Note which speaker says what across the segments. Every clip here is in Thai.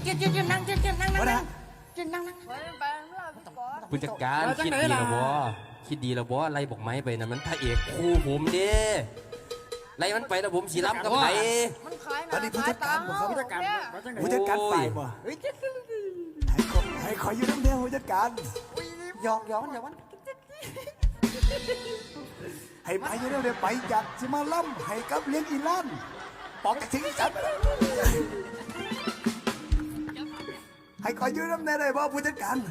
Speaker 1: จิ้นนั่ง
Speaker 2: ผู้จัดการคิดดีแล้วบ่คิดดีแล้วบ่ไล่บอกไม้ไปนั่นมันพระเอกคู่ผมเด้ไล่มันไปแล้วผมสีล้ำกับไผ
Speaker 1: มันขายนะ
Speaker 3: อันนี้ผู้จัดการบ่ครับ
Speaker 1: ผู้จัดการ
Speaker 3: ผู้จัดการฝ่ายบ่ให้ขออยู่น้ำเดียวผู้จัดการ
Speaker 1: หยอกมัน
Speaker 3: ให้ไปอยู่น้ำเดียวไปจัดสิมาล่ำให้กับเลี้ยงอีลั่นปอกกระทิงจัดให้ขออยู่น้ำเดียวเลยบ่ผู้จัดการ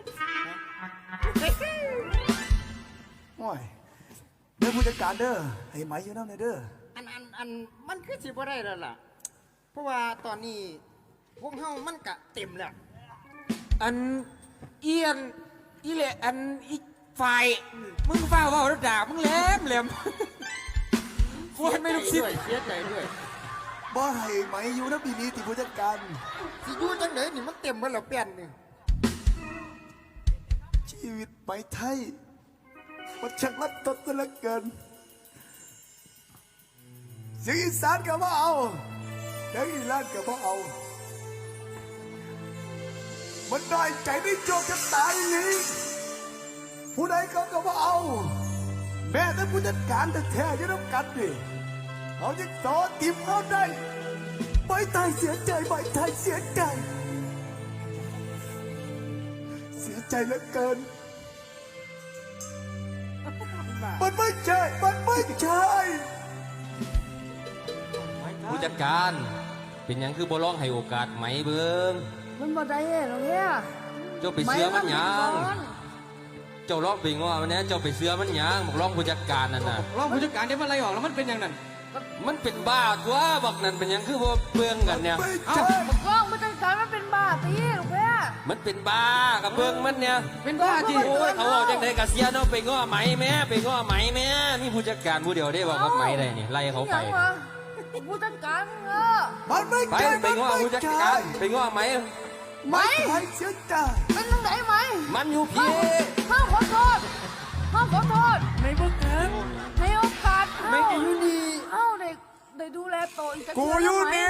Speaker 3: โอ้ยเด้อผู้จัดการเด้อให้ไหมอยู่น้ำเด้อ
Speaker 1: อันมันคือสิบ่ได้แล้วล่ะเพราะว่าตอนนี้พวกเฮามันกะเต็มแล้ว
Speaker 4: อันเอียนอีเละอันอีฝ่ายมึงฟ้าว่าแล้วด่ามึงแหลมโคตรไม่รู้สิ
Speaker 1: เสียใจด้วย
Speaker 3: บ่ให้ไหมอยู่น้ำปีนี้ที่ผู้จัดการ
Speaker 1: สิอยู่จังไดนี่มันเต็มหมดแล้วเปลี่ยนนี่
Speaker 3: ชีวิตไหมไทยมันช่างรัดตดซะเหลือเกินเสียงอีสานก็บ่เอาเสียงอีลั่นก็บ่เอา มันน้อยใจได้โจกจะตายนี้ผู้ใดเขาก็บ่เอา แม้แต่ผู้จัดการแต่แท้ๆยังต้องกันดิเขาจะต่อทีมเขาได้ใบไทยเสียใจใบไทยเสียใจ เสียใจเหลือเกิน มันไม่ใช่ มันไม่ใช่
Speaker 2: ผู้จัดการเป็นหยังคือบ่ร้องให้โอกาสไหมเบิ่ง
Speaker 5: มันบ่ได้หรอกเนี่ย
Speaker 2: เจ้าไปเสือมันหยังเจ้าร้องไปง้อมันแน่เจ้าไปเสือมันหยังบอกร้องผู้จัดการนั่นน่ะ
Speaker 4: รองผู้จัดการได้มาไล่ออกแล้วมันเป็นอย่างนั้น
Speaker 2: มันเป็นบ้าตัวบอกนั่นเป็นหยังคือบ่เบิ่งกันเนี่ย
Speaker 3: ไม่ใช่
Speaker 5: ร้องมันจังการมันเป็นบ้าตีหรอกเนี่ย
Speaker 2: มันเป็นบ้ากับเบิ่งมันเนี่ย
Speaker 4: เป็นบ้าที่
Speaker 2: โอ้ยเขาบอกจังได๋ก็เสียเนาะไปง้อไหมแม่ไปง้อไหมแม่มีผู้จัดการผู้เดียวได้บอกกับไหมได้นี่ไล่เขาไป
Speaker 5: หยังวะผู้จัดการเออ
Speaker 3: มันไม่
Speaker 2: ไป
Speaker 3: ใช่
Speaker 2: ไปง้อผู้จัดการไปง้อไหม
Speaker 5: ไหม
Speaker 3: ไทยเสียใจ
Speaker 5: เป็นจังไหนไหม
Speaker 2: มันอยู่พี่
Speaker 5: ข้าขอโทษข้าขอโทษในโอกาสในโอกาสไม่อยู่นี่เอ้าได้ดูแลโตอีกสัก
Speaker 3: กูอยู่นี่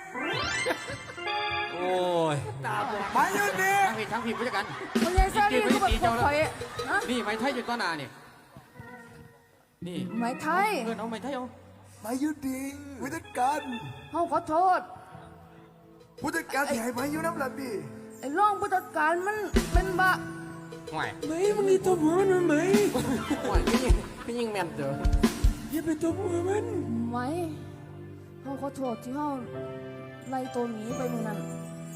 Speaker 2: โอ้ย
Speaker 3: มาอยู่นี่
Speaker 4: ทั้งผิดผู้จัดการ
Speaker 5: ไม่ใช่แซ่นี่ก็แบบคนข่อยนะ
Speaker 4: นี่ไม้ไทยอยู่ต้นนานี่นี่
Speaker 5: ไหมไทย
Speaker 4: เพื่อนเอาไม้ไทยเอา
Speaker 3: มาอยู่ดีผู้จัดการ
Speaker 5: เขาขอโทษ
Speaker 3: ผู้จัดการที่ให้มาอยู่น้ำละดี
Speaker 5: ไอ้ร่องผู้จัดการมันเป็นบ้า
Speaker 2: ห่วย
Speaker 4: ไหมมึงนี่ตัวหัวมันไหมห่วยไม่ยิงแมนเด้ออย่าไปตัวหัวมัน
Speaker 5: ไหมเขาขอโทษที่เขาไล่ตัวหนีไปมึงนั้น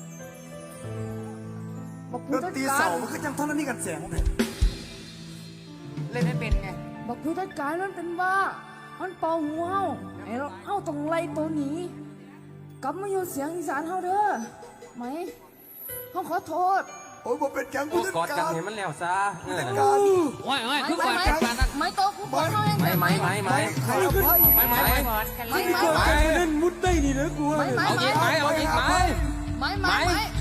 Speaker 5: บอก
Speaker 3: ด
Speaker 5: ผู้
Speaker 3: น
Speaker 5: จัด
Speaker 3: ตรี
Speaker 5: กา
Speaker 3: เสาร มันก็จังเท่านั้นนี่กันแสงเนี่ย
Speaker 1: เล่นไม่เป็นไง
Speaker 5: บอกผู้จัดการมันเป็นบ้ามันเป่าหัวเฮาไอ้เราเฮาต้องไล่ตัวหนีกลับมาอยู่เสียงอีสานเฮาเด้อไหมเขาขอโทษ
Speaker 3: โอ้ยผมเป็นจัง
Speaker 2: โอ้
Speaker 3: ผู้จัด
Speaker 2: กอดกั
Speaker 3: กาน ร
Speaker 2: เห็นมันแล้วซะเออ
Speaker 3: การ
Speaker 4: โอ้ยคือ
Speaker 5: ไหม
Speaker 4: ฝ่าย
Speaker 5: ไหม
Speaker 4: การนั้น
Speaker 5: ไหมโตกูขอโทษเอง
Speaker 2: ไหม
Speaker 3: ใครเอาไพ่
Speaker 4: ไม่
Speaker 5: ไหมไหมไหม
Speaker 4: นั่นมุดได้นี่นะกู
Speaker 5: ไหมไหม
Speaker 2: เอา
Speaker 5: ไหม
Speaker 2: อีกไหมเอาอีกไหม
Speaker 5: ไหมไหมไหม